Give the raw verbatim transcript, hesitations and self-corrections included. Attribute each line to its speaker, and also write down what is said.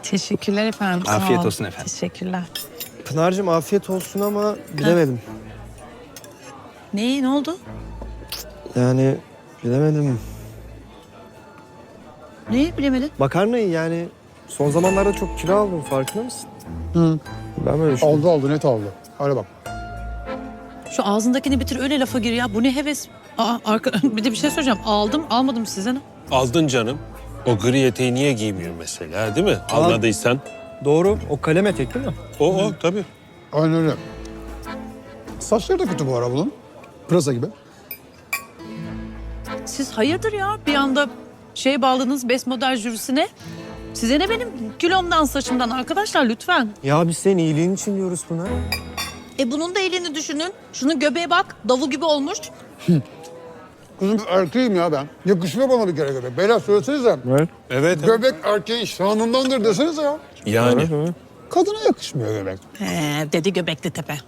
Speaker 1: Teşekkürler efendim. sağ
Speaker 2: Afiyet
Speaker 1: ol.
Speaker 2: olsun efendim.
Speaker 1: Teşekkürler.
Speaker 3: Pınar'cığım afiyet olsun ama bilemedim.
Speaker 1: Ne, ne oldu?
Speaker 3: Yani bilemedim.
Speaker 1: Ne bilemedin?
Speaker 3: Makarnayı yani son zamanlarda çok kilo aldım, farkında mısın?
Speaker 4: Hı.
Speaker 3: Ben böyle düşünüyorum.
Speaker 4: Oldu oldu net oldu. Hadi bak.
Speaker 1: Şu ağzındakini bitir öyle lafa gir ya. Bu ne heves? Aa, arka... bir de bir şey soracağım. Aldım almadım size ne?
Speaker 5: Aldın canım. O gri eteği niye giymiyor mesela, değil mi? Almadıysan.
Speaker 3: Doğru, o kalem etek değil mi?
Speaker 5: O o tabii.
Speaker 4: Aynen öyle. Saçları da kötü bu ara bunun. Pırasa gibi.
Speaker 1: Siz hayırdır ya? Bir anda şey bağladınız best model jürisine. Size ne benim kilomdan saçımdan arkadaşlar lütfen.
Speaker 3: Ya biz senin iyiliğin için diyoruz Pınar.
Speaker 1: E bunun da elini düşünün. Şunun göbeğe bak. Davul gibi olmuş.
Speaker 4: Kızım erkeğim ya ben. Yakışmıyor bana bir kere göbek. Beyler söylesenize.
Speaker 3: Evet.
Speaker 5: Evet.
Speaker 4: Göbek erkeğin şanındandır desenize ya.
Speaker 5: Yani.
Speaker 3: Evet.
Speaker 4: Kadına yakışmıyor göbek.
Speaker 1: He, dedi Göbekli Tepe.